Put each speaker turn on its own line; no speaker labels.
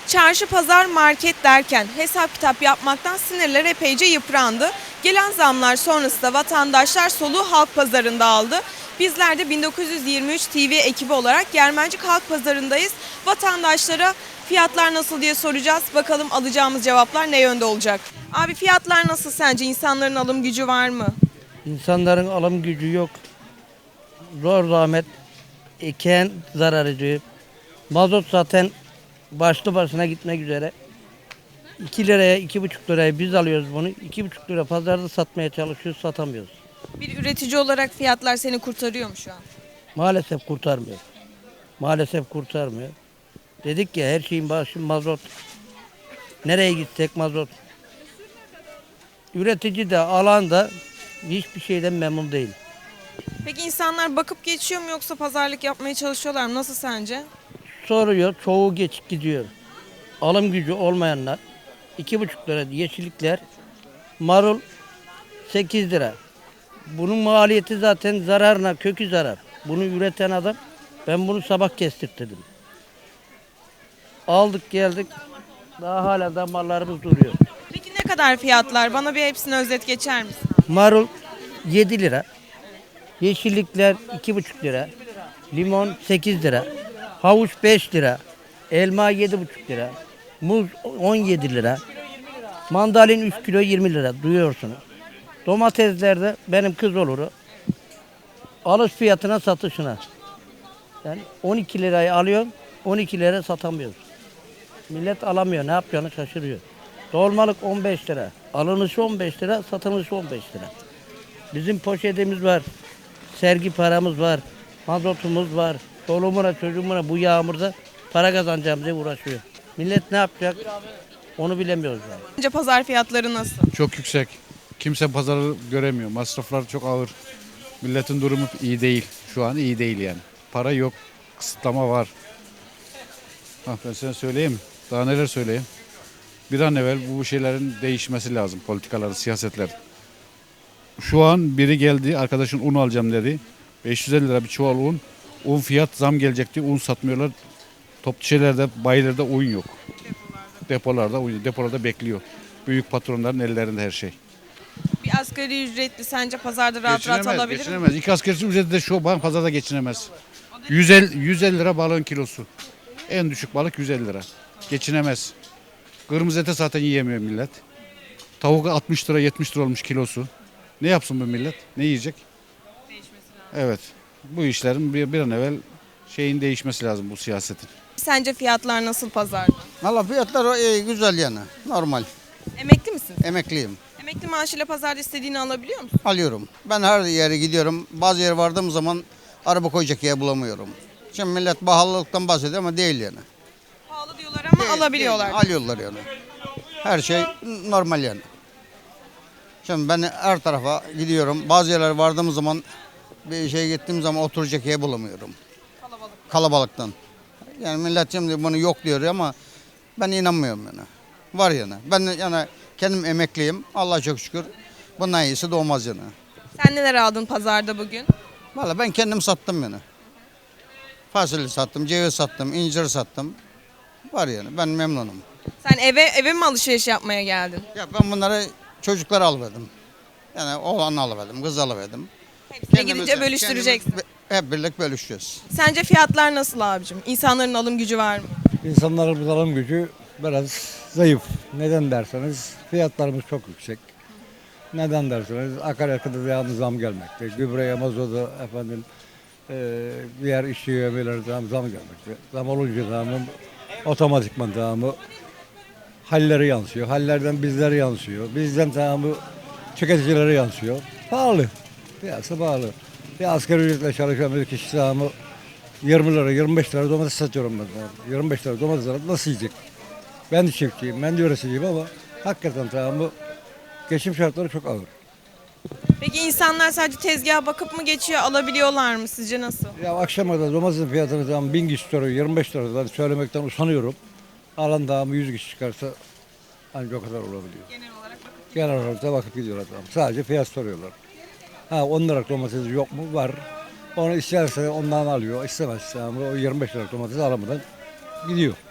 Çarşı, pazar, market derken hesap kitap yapmaktan sinirler epeyce yıprandı. Gelen zamlar sonrasında vatandaşlar soluğu halk pazarında aldı. Bizler de 1923 TV ekibi olarak Germencik Halk Pazarı'ndayız. Vatandaşlara fiyatlar nasıl diye soracağız. Bakalım alacağımız cevaplar ne yönde olacak? Abi fiyatlar nasıl sence? İnsanların alım gücü var mı?
İnsanların alım gücü yok. Zor zahmet eken zarar ediyor. Mazot zaten başlı başına gitmek üzere. 2 liraya, 2,5 liraya biz alıyoruz bunu. 2,5 lira pazarda satmaya çalışıyoruz, satamıyoruz.
Bir üretici olarak fiyatlar seni kurtarıyor mu şu an?
Maalesef kurtarmıyor. Maalesef kurtarmıyor. Dedik ya her şeyin başı mazot. Nereye gitsek mazot. Üretici de alan da hiçbir şeyden memnun değil.
Peki insanlar bakıp geçiyor mu yoksa pazarlık yapmaya çalışıyorlar mı? Nasıl sence?
Soruyor, çoğu geçip gidiyor. Alım gücü olmayanlar 2,5 lira yeşillikler, marul 8 lira. Bunun maliyeti zaten zararına, kökü zarar. Bunu üreten adam, ben bunu sabah kestirttirdim. Aldık geldik, daha hala da mallarımız duruyor.
Peki ne kadar fiyatlar? Bana bir hepsini özet geçer misin?
Marul 7 lira, yeşillikler 2,5 lira, limon 8 lira, havuç 5 lira, elma 7,5 lira, muz 17 lira, mandalin 3 kilo 20 lira duyuyorsunuz. Domateslerde benim kız oluru alış fiyatına satışına. Yani 12 lirayı alıyorum, 12 lira satamıyoruz. Millet alamıyor, ne yapacağını şaşırıyor. Dolmalık 15 lira, alınışı 15 lira, satılışı 15 lira. Bizim poşetimiz var, sergi paramız var, mazotumuz var. Çoluğumuna çocuğumuna bu yağmurda para kazanacağım diye uğraşıyor. Millet ne yapacak onu bilemiyoruz yani.
Sence pazar fiyatları nasıl?
Çok yüksek. Kimse pazarı göremiyor. Masraflar çok ağır. Milletin durumu iyi değil. Şu an iyi değil yani. Para yok. Kısıtlama var. Ben sana söyleyeyim. Daha neler söyleyeyim. Bir an evvel bu şeylerin değişmesi lazım. Politikaların, siyasetler. Şu an biri geldi. Arkadaşın un alacağım dedi. 550 lira bir çuval un. Un fiyat zam gelecekti. Un satmıyorlar. Toplu şeylerde, bayilerde un yok. Depolarda un, depolarda bekliyor. Büyük patronların ellerinde her şey.
Bir asgari ücretli sence pazarda rahat rahat alabilir mi?
Geçinemez. İki asgari ücreti de şu bank pazarda geçinemez. 150 lira balığın kilosu. En düşük balık 150 lira. Geçinemez. Kırmızı ete zaten yiyemiyor millet. Tavuk 60 lira 70 lira olmuş kilosu. Ne yapsın bu millet? Ne yiyecek? Evet. Bu işlerin bir an evvel şeyin değişmesi lazım bu siyasetin.
Sence fiyatlar nasıl pazarda?
Valla fiyatlar iyi, güzel yani. Normal.
Emekli misin?
Emekliyim.
Emekli maaşıyla pazarda istediğini alabiliyor musun?
Alıyorum. Ben her yere gidiyorum. Bazı yere vardığım zaman araba koyacak yer bulamıyorum. Şimdi millet pahalılıktan bahsediyor ama değil yani.
Pahalı diyorlar ama
Değil,
alabiliyorlar.
değil. Alıyorlar yani. Her şey normal yani. Şimdi ben her tarafa gidiyorum. Bazı yerlere vardığım zaman bir şey gittiğim zaman oturacak yer bulamıyorum. Kalabalıktan. Yani millet şimdi bunu yok diyor ama ben inanmıyorum yani. Var yani. Ben yani kendim emekliyim. Allah'a çok şükür. Bundan iyisi doğmaz yani.
Sen neler aldın pazarda bugün?
Valla ben kendim sattım yani. Fasulye sattım, ceviz sattım, incir sattım. Var yani. Ben memnunum.
Sen eve mi alışveriş yapmaya geldin?
Ya ben bunları çocuklara alıverdim. Yani oğlanı alıverdim, kız alıverdim.
Hepsine gidince bölüştüreceksin.
Hep birlik bölüşeceğiz.
Sence fiyatlar nasıl abicim? İnsanların alım gücü var mı?
İnsanların alım gücü biraz zayıf. Neden derseniz fiyatlarımız çok yüksek. Neden derseniz akaryakıta devamlı zam gelmekte. Gübreye, mazota efendim diğer işçi yövmeleri zam gelmekte. Zam olunca zamın otomatikman tamamı halleri yansıyor. Hallerden bizlere yansıyor. Bizden tamamı tüketicilere yansıyor. Pahalı. Piyasa pahalı. Bir asgari ücretle çalışan bir kişi tamamı 20 lira, 25 lira domates satıyorum ben. 25 lira domates alıp nasıl yiyecek? Ben de çiftçiyim, ben de üreticiyim ama hakikaten tamam bu geçim şartları çok ağır.
Peki insanlar sadece tezgaha bakıp mı geçiyor, alabiliyorlar mı? Sizce nasıl?
Ya akşama kadar domatesin fiyatını tamam 1000 kişi soruyor, 25 liradan söylemekten usanıyorum. Alan tamam 100 kişi çıkarsa ancak o kadar olabiliyor. Genel olarak da bakıp gidiyorlar tamam. Sadece fiyat soruyorlar. Ha 10 liralık domates yok mu? Var. Onu isterse ondan alıyor, istemezse ama o 25 liralık domates alamadan gidiyor.